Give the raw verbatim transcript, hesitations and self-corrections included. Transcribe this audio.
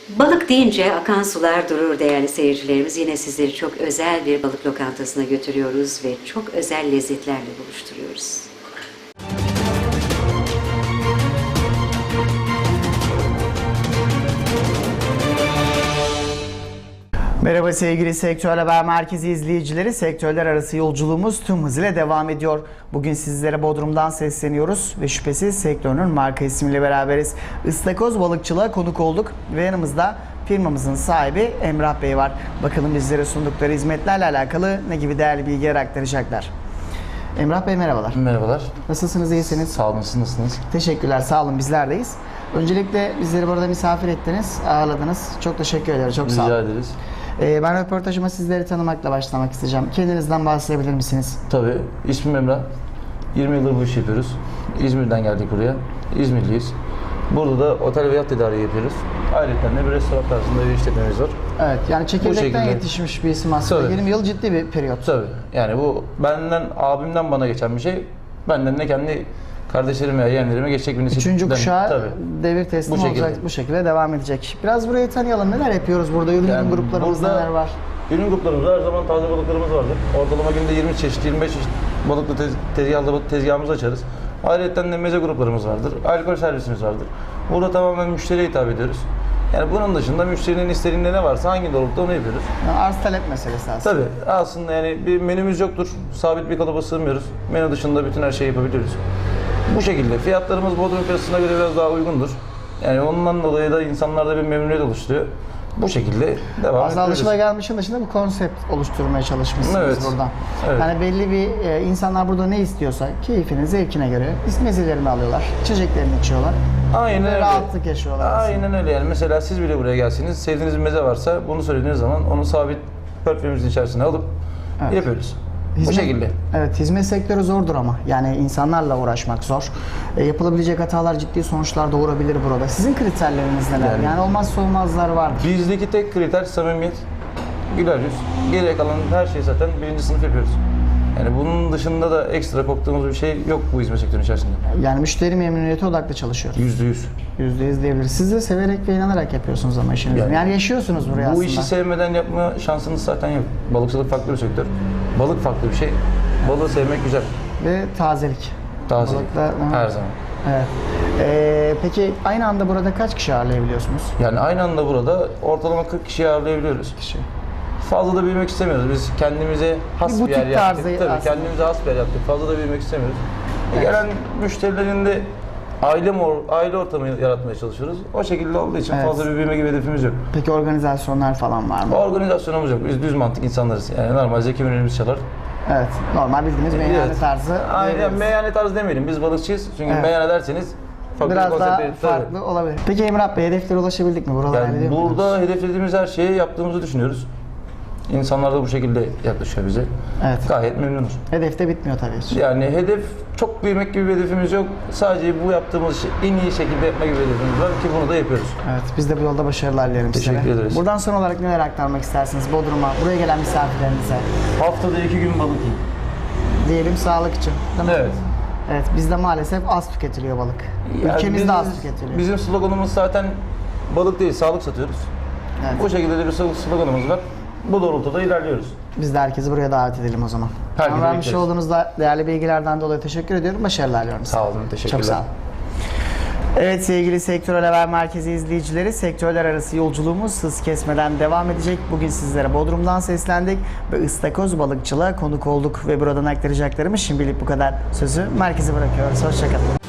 Balık deyince akan sular durur değerli seyircilerimiz. Yine sizleri çok özel bir balık lokantasına götürüyoruz ve çok özel lezzetlerle buluşturuyoruz. Merhaba sevgili Sektör Haber Merkezi izleyicileri. Sektörler arası yolculuğumuz tüm hızıyla devam ediyor. Bugün sizlere Bodrum'dan sesleniyoruz ve şüphesiz sektörün marka ismiyle beraberiz. Istakoz balıkçılığa konuk olduk ve yanımızda firmamızın sahibi Emrah Bey var. Bakalım bizlere sundukları hizmetlerle alakalı ne gibi değerli bilgiler aktaracaklar. Emrah Bey merhabalar. Merhabalar. Nasılsınız, iyisiniz? Sağ olun, siz nasılsınız? Teşekkürler, sağ olun, bizlerdeyiz. Öncelikle bizleri burada misafir ettiniz, ağırladınız. Çok teşekkür ederim, çok sağ olun. Rica ederiz. Ee, ben röportajıma sizleri tanımakla başlamak isteyeceğim. Kendinizden bahsedebilir misiniz? Tabii, ismim Emrah. yirmi yıldır bu işi yapıyoruz. İzmir'den geldik buraya. İzmirliyiz. Burada da otel ve yat tedariği yapıyoruz. Ayrıca de bir restoran tarzında bir işletmemiz var. Evet, yani çekirdekten şekilde yetişmiş bir isim aslında. Tabii. yirmi yıl ciddi bir periyot. Tabii, yani bu benden, abimden bana geçen bir şey. Benden de kendi kardeşlerime, yeğenlerime geçecek bir nesil. Üçüncü kuşağı Tabii. devir teslim Bu şekilde. olacak, bu şekilde devam edecek. Biraz burayı tanıyalım. Neler yapıyoruz burada? Ürün Yani gruplarımız burada neler var? Ürün gruplarımızda her zaman taze balıklarımız vardır. Ortalama günde yirmi çeşit, yirmi beş çeşit balıklı tez, tezgahlı tezgahımızı açarız. Ayrıca de meze gruplarımız vardır. Alkol servisimiz vardır. Burada tamamen müşteriye hitap ediyoruz. Yani bunun dışında müşterinin istediğinde ne varsa hangi doğrultuda onu yapıyoruz. Yani arz talep meselesi aslında. Tabii aslında yani bir menümüz yoktur. Sabit bir kalıba sığmıyoruz. Menü dışında bütün her şeyi yapabiliyoruz. Bu şekilde fiyatlarımız Bodrum piyasasına göre biraz daha uygundur. Yani ondan dolayı da insanlarda bir memnuniyet oluşturuyor. Bu şekilde devam Aslında ediyoruz. alışılagelmişin dışında bir konsept oluşturmaya çalışmışsınız Evet. buradan. Evet. Yani belli bir e, insanlar burada ne istiyorsa keyfine, zevkine göre mezelerini alıyorlar, içeceklerini içiyorlar. Aynen Ve öyle. rahatlık yaşıyorlar aslında. Aynen öyle yani. Mesela siz bile buraya gelseniz, sevdiğiniz bir meze varsa bunu söylediğiniz zaman onu sabit portföyümüzün içerisine alıp Evet. yapıyoruz. Bu Hizmet- şekilde. Evet, hizmet sektörü zordur ama. Yani insanlarla uğraşmak zor. E, yapılabilecek hatalar ciddi sonuçlar doğurabilir burada. Sizin kriterleriniz neler? Yani, Yani- olmazsa olmazlar var. Bizdeki tek kriter samimiyet, güler yüz. Geriye kalan her şeyi zaten birinci sınıf yapıyoruz. Yani bunun dışında da ekstra korktuğumuz bir şey yok bu hizmet sektörünün içerisinde. Yani müşteri memnuniyeti odaklı çalışıyoruz. Yüzde yüz. Yüzde yüz diyebiliriz. Siz de severek ve inanarak yapıyorsunuz ama işinizi. Yani, Yani yaşıyorsunuz buraya Bu aslında. işi sevmeden yapma şansınız zaten yok. Balıkçılık farklı bir sektör. Balık farklı bir şey. Balığı sevmek güzel. Ve tazelik. Tazelik. Balıklar- Her zaman. Evet. Ee, peki aynı anda burada kaç kişi ağırlayabiliyorsunuz? Yani aynı anda burada ortalama kırk kişiyi ağırlayabiliyoruz. Kişi. Fazla da büyümek istemiyoruz. Biz kendimize has Bir bir, butik yer yaptık. tarzı Tabii aslında. kendimize has bir yer yaptık. Fazla da büyümek istemiyoruz. E, Evet. Gelen müşterilerin de aile mor, aile ortamı yaratmaya çalışıyoruz. O şekilde olduğu için Evet. fazla bir büyüme gibi hedefimiz yok. Peki organizasyonlar falan var mı? Organizasyonumuz yok. Biz düz mantık insanlarız. Yani normal zeki menümüz çalar. Evet. Normal bildiğiniz meyhane Evet. tarzı. Aynen diyebiliriz. meyhane tarzı demeyelim. Biz balıkçıyız. Çünkü Evet. meyhane derseniz farklı bir Biraz konsept daha verir. Tabii. farklı olabilir. Peki Emrah Bey, hedeflere ulaşabildik mi? Buraları Yani hallediyor muydunuz? burada hedeflediğimiz her şeyi yaptığımızı düşünüyoruz. İnsanlar da bu şekilde yaklaşıyor bize. Evet. Gayet memnunuz. Hedef de bitmiyor tabii ki. Yani hedef çok büyümek gibi bir hedefimiz yok. Sadece bu yaptığımız işi en iyi şekilde yapma gibi bir hedefimiz var ki bunu da yapıyoruz. Evet, biz de bu yolda başarılar dilerim size. Teşekkür ederiz. Buradan son olarak neler aktarmak istersiniz Bodrum'a, buraya gelen misafirlerinize? Haftada iki gün balık yiyin. Diyelim sağlık için, değil mi? Evet. Evet, bizde maalesef az tüketiliyor balık. Yani Ülkemizde biz- az tüketiliyor. Bizim sloganımız zaten balık değil, sağlık satıyoruz. Evet. Bu şekilde de bir sloganımız var. Bu doğrultuda ilerliyoruz. Biz de herkesi buraya davet edelim o zaman. Herkese Bana vermiş bekleriz. olduğunuz da değerli bilgilerden dolayı teşekkür ediyorum. Başarılar diliyorum size. Sağ olun, teşekkürler. Çok sağ olun. Evet sevgili Sektör Haber Merkezi izleyicileri, sektörler arası yolculuğumuz hız kesmeden devam edecek. Bugün sizlere Bodrum'dan seslendik ve ıstakoz balıkçılığa konuk olduk ve buradan aktaracaklarımız şimdilik bu kadar. Sözü merkeze bırakıyoruz. Hoşçakalın.